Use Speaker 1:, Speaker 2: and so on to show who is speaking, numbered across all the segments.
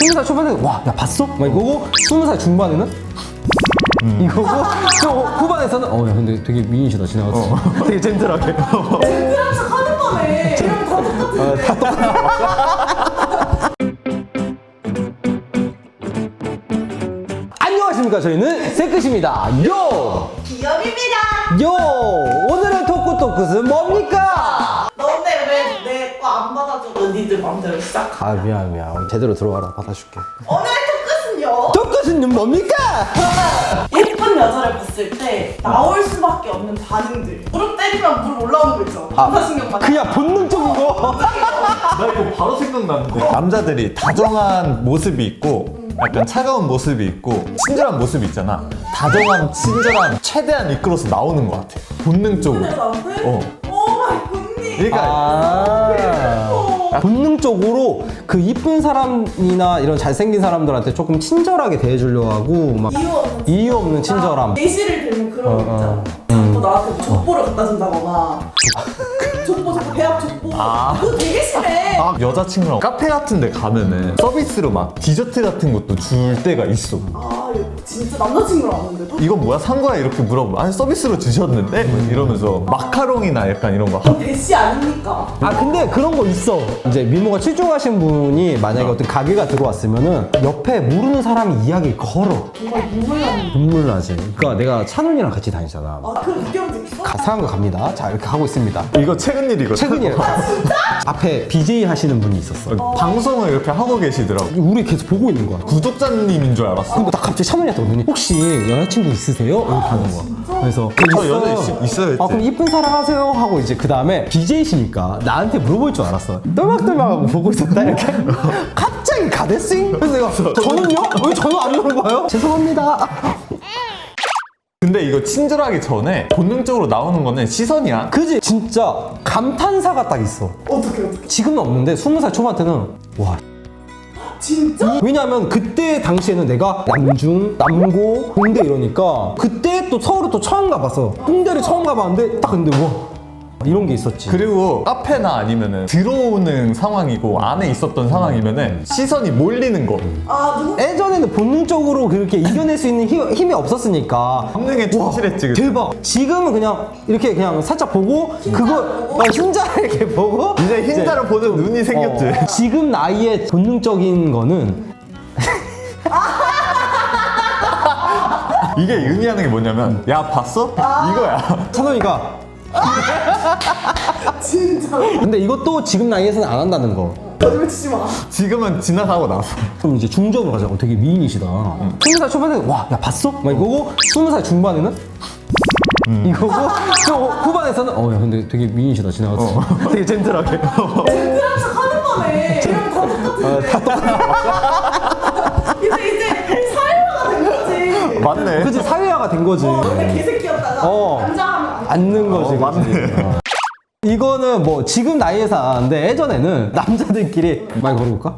Speaker 1: 20살 초반에는 와, 야 봤어? 막 이거고 20살 중반에는 이거고 또 후반에서는 야 근데 되게 미인이시다 지나갔어. 되게 젠틀하게.
Speaker 2: 젠틀한 척 하는 거네. 이러면 다 똑같은데.
Speaker 1: 안녕하십니까, 저희는 새끝입니다. 요!
Speaker 2: 기업입니다.
Speaker 1: 요! 오늘의 토크는 뭡니까?
Speaker 2: 너 근데 왜 내 거 안 받아주고 니들 맘대로 시작하?
Speaker 1: 아 미안 제대로 들어와라, 받아줄게.
Speaker 2: 오늘의 토크는요.
Speaker 1: 토크는 뭡니까?
Speaker 2: 예쁜 여자를 봤을 때 나올 수밖에 없는 반응들. 무릎 때리면 물 올라오는 거 있죠. 반사신경 받는
Speaker 1: 그냥 본능적인 거.
Speaker 3: 나 이거 바로 생각나는데. 남자들이 다정한 모습이 있고 약간 차가운 모습이 있고 친절한 모습이 있잖아. 다정한, 친절한 최대한 이끌어서 나오는 것 같아. 본능적으로.
Speaker 2: 나한테?
Speaker 3: 어.
Speaker 2: 오 마이 굿니.
Speaker 3: 그러니까
Speaker 1: 본능적으로 그 이쁜 사람이나 이런 잘생긴 사람들한테 조금 친절하게 대해주려고 하고 막 이유 없는 친절함.
Speaker 2: 예시를 들면 그런 거 있잖아. 자꾸 나한테 족보를 갖다 준다거나. 족보 배합 족보. 그거 되게 심해.
Speaker 3: 여자친구랑 카페 같은 데 가면은 서비스로 막 디저트 같은 것도 줄 때가 있어.
Speaker 2: 이거 진짜 남자친구랑 왔는데도?
Speaker 3: 이건 뭐야? 산 거야? 이렇게 물어보면 아니 서비스로 주셨는데? 뭐 이러면서 마카롱이나 약간 이런 거
Speaker 2: 대시 아닙니까?
Speaker 1: 근데 그런 거 있어. 이제 미모가 출중하신 분이 만약에 어떤 가게가 들어왔으면은 옆에 모르는 사람이 이야기 걸어.
Speaker 2: 정말 눈물 나는.
Speaker 1: 눈물 나지. 그러니까 내가 찬훈이랑 같이 다니잖아.
Speaker 2: 그런 느껴본 적 있어?
Speaker 1: 상한 거 갑니다. 자, 이렇게 하고 있습니다.
Speaker 3: 이거 최근 일이거든.
Speaker 1: 최근이에요. 앞에 BJ 하시는 분이 있었어.
Speaker 3: 방송을 이렇게 하고 계시더라고.
Speaker 1: 우리 계속 보고 있는 거야.
Speaker 3: 구독자님인 줄 알았어.
Speaker 1: 근데 딱 갑자기 찬훈이한테 오더니 혹시 여자친구 있으세요? 이렇게 하는 거야. 그래서
Speaker 3: 저 여자 있어요 했지.
Speaker 1: 그럼 이쁜 사람 하세요 하고 이제 그 다음에 BJ시니까 나한테 물어볼 줄 알았어. 떨막떨막하고 보고 있었다 이렇게. 갑자기 가데싱? 그래서 내가 저는요? 왜 저는 안 물어봐요? 죄송합니다.
Speaker 3: 근데 이거 친절하기 전에 본능적으로 나오는 거는 시선이야.
Speaker 1: 그지? 진짜 감탄사가 딱 있어.
Speaker 2: 어떻게?
Speaker 1: 지금은 없는데 20살 초반 때는 와.
Speaker 2: 진짜?
Speaker 1: 왜냐면 그때 당시에는 내가 남중, 남고, 홍대 이러니까 그때 또 서울을 또 처음 가봤어. 홍대를 처음 가봤는데 딱 근데 와 이런 게 있었지.
Speaker 3: 그리고 카페나 아니면은 들어오는 상황이고 안에 있었던 상황이면은 시선이 몰리는 거.
Speaker 2: 누구?
Speaker 1: 예전에는 본능적으로 그렇게 이겨낼 수 있는 힘이 없었으니까
Speaker 3: 본능에 충실했지. 그때.
Speaker 1: 대박. 지금은 그냥 이렇게 그냥 살짝 보고 그거 흰자를 이렇게 보고
Speaker 3: 이제 흰자를 보는 눈이 생겼지.
Speaker 1: 지금 나이에 본능적인 거는
Speaker 3: 이게 의미하는 게 뭐냐면 야 봤어? 이거야.
Speaker 1: 찬원이가
Speaker 2: 진짜.
Speaker 1: 근데 이것도 지금 나이에서는 안 한다는 거.
Speaker 2: 거짓말 치지 마.
Speaker 3: 지금은 지나가고 나서.
Speaker 1: 그럼 이제 중적으로 가자. 되게 미인이시다. 20살 초반에는 와, 야 봤어? 막 이거고 20살 중반에는 이거고 또 후반에서는 야 근데 되게 미인이시다 지나갔어. 되게 젠틀하게.
Speaker 2: 젠틀한 척 하는 거네. 이러면 다 똑같은데. 이제 사회화가 된 거지.
Speaker 3: 맞네.
Speaker 1: 그치, 사회화가 된 거지.
Speaker 2: 원래 개새끼였다가 남자하면
Speaker 1: 앉는 거지.
Speaker 3: 맞네.
Speaker 1: 이거는 뭐 지금 나이에서 안 하는데 예전에는 남자들끼리 말 걸어볼까?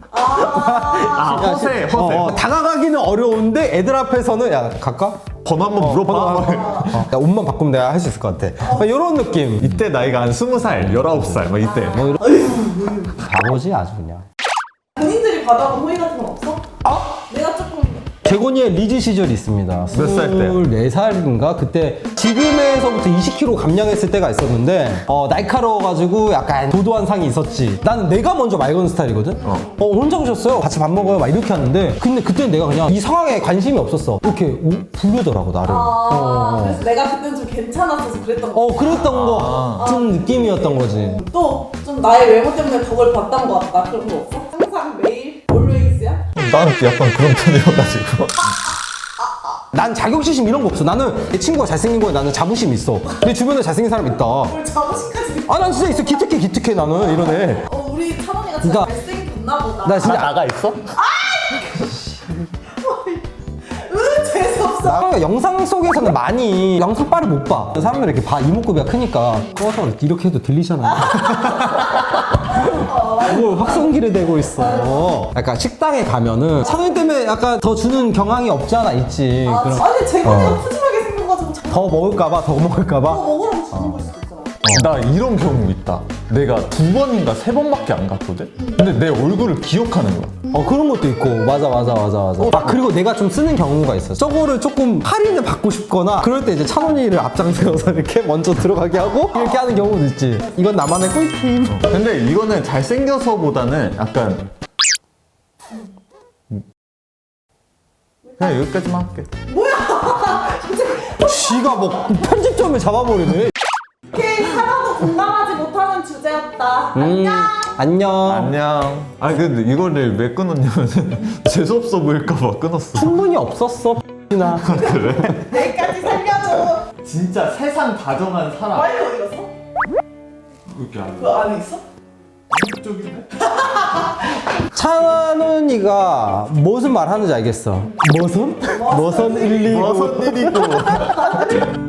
Speaker 3: 허세.
Speaker 1: 다가가기는 어려운데 애들 앞에서는 야 갈까?
Speaker 3: 번호 한번 물어봐.
Speaker 1: 야, 옷만 바꾸면 내가 할 수 있을 것 같아. 이런 느낌.
Speaker 3: 이때 나이가 한 20살, 19살 막 이때.
Speaker 1: 바보지 아주 그냥.
Speaker 2: 본인들이 받아본 호의 같은 건 없어? 내가 조금
Speaker 1: 재곤이의 리즈 시절이 있습니다.
Speaker 3: 몇 살 때?
Speaker 1: 24살인가? 그때 지금에서부터 20kg 감량했을 때가 있었는데 날카로워가지고 약간 도도한 상이 있었지. 나는 내가 먼저 말 거는 스타일이거든? 혼자 오셨어요? 같이 밥 먹어요? 막 이렇게 하는데 근데 그때는 내가 그냥 이 상황에 관심이 없었어. 이렇게 부르더라고 나를.
Speaker 2: 그래서 내가 그때는 좀 괜찮았어서 그랬던 거.
Speaker 1: 그랬던 거 같은 느낌이었던 거지.
Speaker 2: 또 좀 나의 외모 때문에 덕을 봤던 거 같다. 그런 거 없어? 항상 매일 always야?
Speaker 3: 나는 약간 그런 편이어가지고.
Speaker 1: 난 자격지심 이런 거 없어. 나는 내 친구가 잘생긴 거에 나는 자부심 있어. 내 주변에 잘생긴 사람 있다.
Speaker 2: 뭘 자부심까지 느껴.
Speaker 1: 난 진짜 있어. 기특해 나는 이러네.
Speaker 2: 우리 찬원이가 진짜
Speaker 1: 그러니까-
Speaker 2: 잘생겼나 보다.
Speaker 1: 나 진짜
Speaker 3: 나가 있어?
Speaker 2: 재수없어.
Speaker 1: 나 영상 속에서는 많이 영상빨을 못 봐. 사람들이 이렇게 이목구비가 크니까 꺼서 이렇게 해도 들리잖아. 뭘 확성기를 대고 있어. 약간 식당에 가면은 찬원 때문에 약간 더 주는 경향이 없지 않아 있지. 그럼
Speaker 2: 아니 재건이가 푸짐하게 생겨가지고
Speaker 1: 더 먹을까봐
Speaker 2: 먹으라고 주는 걸 수도 있잖아.
Speaker 3: 나 이런 경우 있다. 내가 2번인가 3번밖에 안 갔거든? 근데 내 얼굴을 기억하는 거야.
Speaker 1: 그런 것도 있고. 맞아. 아, 그리고 내가 좀 쓰는 경우가 있어. 저거를 조금 할인을 받고 싶거나 그럴 때 이제 찬원이를 앞장세워서 이렇게 먼저 들어가게 하고 이렇게 하는 경우도 있지. 이건 나만의 꿀팁.
Speaker 3: 근데 이거는 잘생겨서보다는 약간 그냥 여기까지만 할게.
Speaker 1: 쥐가 뭐 편집점을 잡아버리네.
Speaker 2: 오케이, 하나도 공감하지 못하는 주제였다. 안녕.
Speaker 1: 안녕.
Speaker 3: 안녕. 아니 근데 이거를 왜 끊었냐면은 재수없어 보일까봐 끊었어.
Speaker 1: 충분히 없었어. 나.
Speaker 2: 내일까지 살려줘.
Speaker 3: 진짜 세상 다정한 사람.
Speaker 2: 마이크 어디 갔어?
Speaker 3: 여기 안
Speaker 2: 그 안에 있어?
Speaker 3: 쪽인데?
Speaker 1: 찬원이가 무슨 말 하는지 알겠어. 무슨 119.
Speaker 3: 무슨 일이고.